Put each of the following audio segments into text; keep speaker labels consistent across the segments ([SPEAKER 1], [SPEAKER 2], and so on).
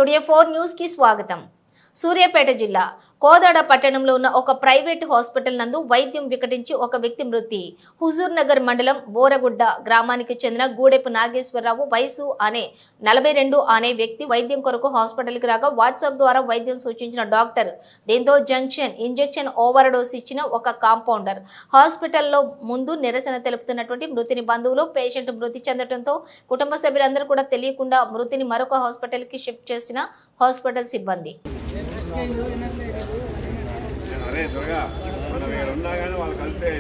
[SPEAKER 1] Studio 4 news కి స్వాగతం. సూర్యాపేట జిల్లా కోదాడ పట్టణంలో ఉన్న ఒక ప్రైవేట్ హాస్పిటల్ నందు వైద్యం వికటించి ఒక వ్యక్తి మృతి. హుజూర్ నగర్ మండలం బోరగుడ్డ గ్రామానికి చెందిన గూడెపు నాగేశ్వరరావు వయసు అనే 42 అనే వ్యక్తి వైద్యం కొరకు హాస్పిటల్ కి రాగా వాట్సాప్ ద్వారా వైద్యం సూచించిన డాక్టర్ దీంతో ఇంజెక్షన్ ఓవర్ డోస్ ఇచ్చిన ఒక కాంపౌండర్ హాస్పిటల్లో ముందు నిరసన తెలుపుతున్నటువంటి మృతిని బంధువులు పేషెంట్ మృతి చెందడంతో కుటుంబ సభ్యులందరూ కూడా తెలియకుండా మృతిని మరొక హాస్పిటల్ కి షిఫ్ట్ చేసిన హాస్పిటల్ సిబ్బంది.
[SPEAKER 2] అరే త్వరగా మనం ఉన్నా కానీ వాళ్ళు కలిసే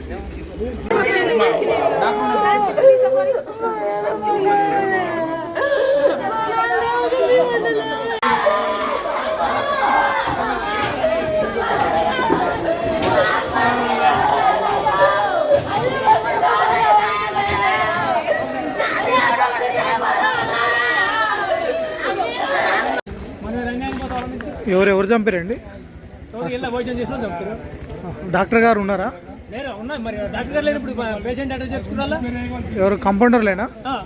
[SPEAKER 3] ఎవరు చంపారండి? డాక్టర్ గారు ఉన్నారా? ఎవరు కంపౌండర్లేనా?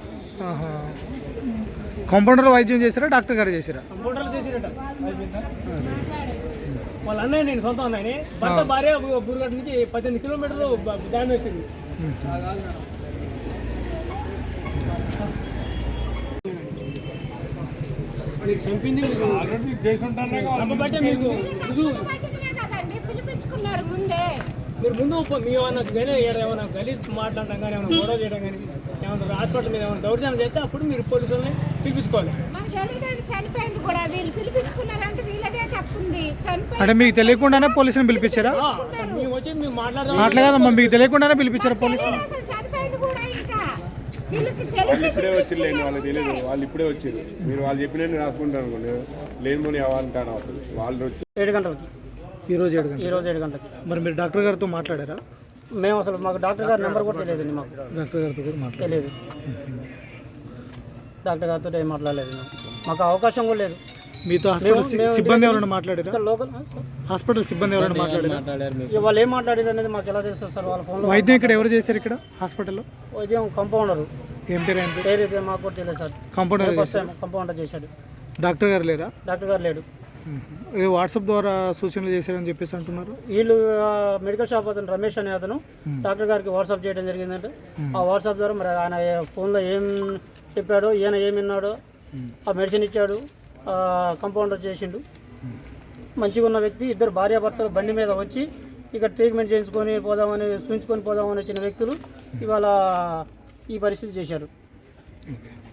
[SPEAKER 3] కంపౌండర్ వైద్యం చేశారా డాక్టర్ గారు చేశారా?
[SPEAKER 4] వాళ్ళ అన్నయ్య నేను సొంత అన్నయ్యని భర్త భార్య బురుగడ్డ నుంచి 18 కిలోమీటర్లు దాని వచ్చింది. చంపింది మీరు ముందు ఏమన్నా గలీజ్ మాట్లాడటం కానీ ఏమైనా గొడవ చేయడం కానీ ఏమన్నా హాస్పిటల్ మీద ఏమైనా దౌర్జన్యం చేస్తే అప్పుడు మీరు పోలీసులని పిలిపించుకోవాలి.
[SPEAKER 3] అంటే మీకు తెలియకుండానే పోలీసుని పిలిపించారా?
[SPEAKER 4] మేము వచ్చి మేము
[SPEAKER 3] మాట్లాడదామా? మీకు తెలియకుండానే పిలిపించారా పోలీసులు?
[SPEAKER 2] వాళ్ళు ఇప్పుడే వచ్చిర్లేండి, వాళ్ళకి తెలియదు. వాళ్ళు ఇప్పుడే వచ్చారు. మీరు వాళ్ళు చెప్పినట్టు రాసుకుంటారు అనుకోండి, లేని అవ్వాలంటాను వాళ్ళు వచ్చి
[SPEAKER 4] 7 గంటలకి
[SPEAKER 3] ఈరోజు 7
[SPEAKER 4] గంటలకి.
[SPEAKER 3] మరి మీరు డాక్టర్ గారితో మాట్లాడారా?
[SPEAKER 4] మేము అసలు మాకు డాక్టర్ గారి నెంబర్ కూడా తెలియదండి. మాకు
[SPEAKER 3] డాక్టర్ గారితో కూడా
[SPEAKER 4] తెలియదు. డాక్టర్ గారితో ఏం మాట్లాడలేదు. మాకు అవకాశం కూడా లేదు.
[SPEAKER 3] మీతో సిబ్బంది ఎవరైనా మాట్లాడారా?
[SPEAKER 4] లోకల్
[SPEAKER 3] హాస్పిటల్ సిబ్బంది ఎవరైనా మాట్లాడారా?
[SPEAKER 4] వాళ్ళు ఏం మాట్లాడారు అనేది మాకు ఎలా తెలుస్తుంది సార్? వాళ్ళ ఫోన్లో
[SPEAKER 3] వైద్యం ఇక్కడ ఎవరు చేశారు? ఇక్కడ హాస్పిటల్లో
[SPEAKER 4] వైద్యం కంపౌండర్.
[SPEAKER 3] ఏం పేరు?
[SPEAKER 4] పేరు మాకు కూడా తెలియదు సార్. కంపౌండర్ చేశాడు.
[SPEAKER 3] డాక్టర్ గారు లేరా?
[SPEAKER 4] డాక్టర్ గారు లేడు.
[SPEAKER 3] వాట్సాప్ ద్వారా సూచనలు చేశారని చెప్పేసి అంటున్నారు.
[SPEAKER 4] వీళ్ళు మెడికల్ షాప్ అతను రమేష్ అనే అతను డాక్టర్ గారికి వాట్సాప్ చేయడం జరిగిందంటే ఆ వాట్సాప్ ద్వారా మరి ఆయన ఫోన్లో ఏం చెప్పాడో, ఈయన ఏమి విన్నాడో, ఆ మెడిసిన్ ఇచ్చాడు, కంపౌండర్ చేసిండు. మంచిగా ఉన్న వ్యక్తి ఇద్దరు భార్యాభర్తలు బండి మీద వచ్చి ఇక ట్రీట్మెంట్ చేయించుకొని పోదామని చూపించుకొని పోదామని వచ్చిన వ్యక్తులు ఇవాళ ఈ పరిస్థితి చేశారు.